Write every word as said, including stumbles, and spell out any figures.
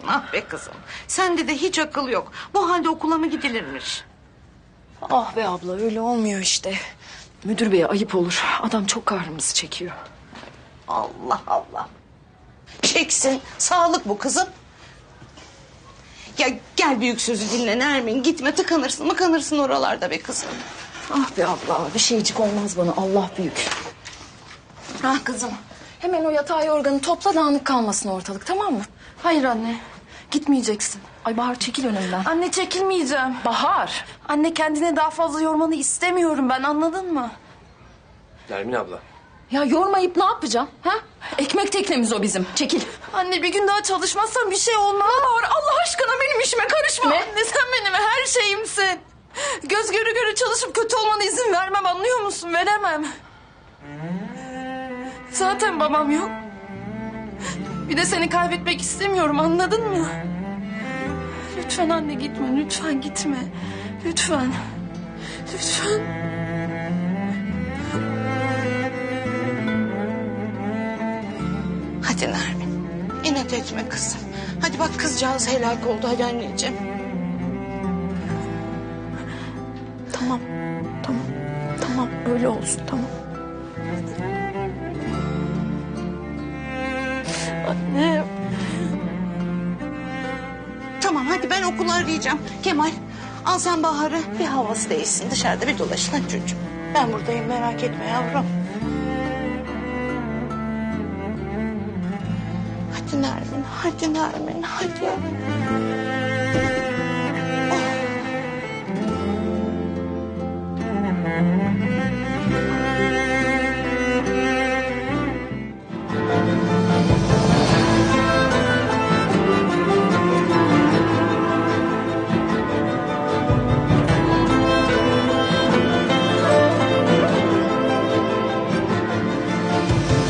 Ah be kızım. Sende de hiç akıl yok. Bu halde okula mı gidilirmiş? Ah be abla öyle olmuyor işte. Müdür beye ayıp olur. Adam çok kahrımızı çekiyor. Allah Allah. Çeksin. Sağlık bu kızım. Ya gel büyük sözü dinle Nermin. Gitme tıkanırsın mıkanırsın oralarda be kızım. Ah be abla bir şeycik olmaz bana, Allah büyük. Ah kızım. Hemen o yatağı yorganı topla, dağınık kalmasın ortalık, tamam mı? Hayır anne. Gitmeyeceksin. Ay Bahar çekil önümden. Anne çekilmeyeceğim. Bahar. Anne kendine daha fazla yormanı istemiyorum ben, anladın mı? Nermin abla. Ya yormayıp ne yapacağım? Ha? Ekmek teknemiz o bizim. Çekil. Anne bir gün daha çalışmazsan bir şey olmaz. Bahar Allah aşkına benim işime karışma. Ne? Anne sen benim her şeyimsin. Göz göre göre çalışıp kötü olmana izin vermem, anlıyor musun? Veremem. Zaten babam yok. Bir de seni kaybetmek istemiyorum, anladın mı? Lütfen anne gitme, lütfen gitme. Lütfen. Lütfen. Hadi Nermin. İnat etme kızım. Hadi bak kızcağız helak oldu. Hadi anneciğim. Tamam. Tamam. Tamam öyle olsun, tamam. Anne. Tamam hadi ben okulu arayacağım. Kemal al sen Bahar'ı. Bir havası değişsin dışarıda bir dolaşın hadi çocuğum. Ben buradayım merak etme yavrum. Hadi Nermin, hadi Nermin, hadi.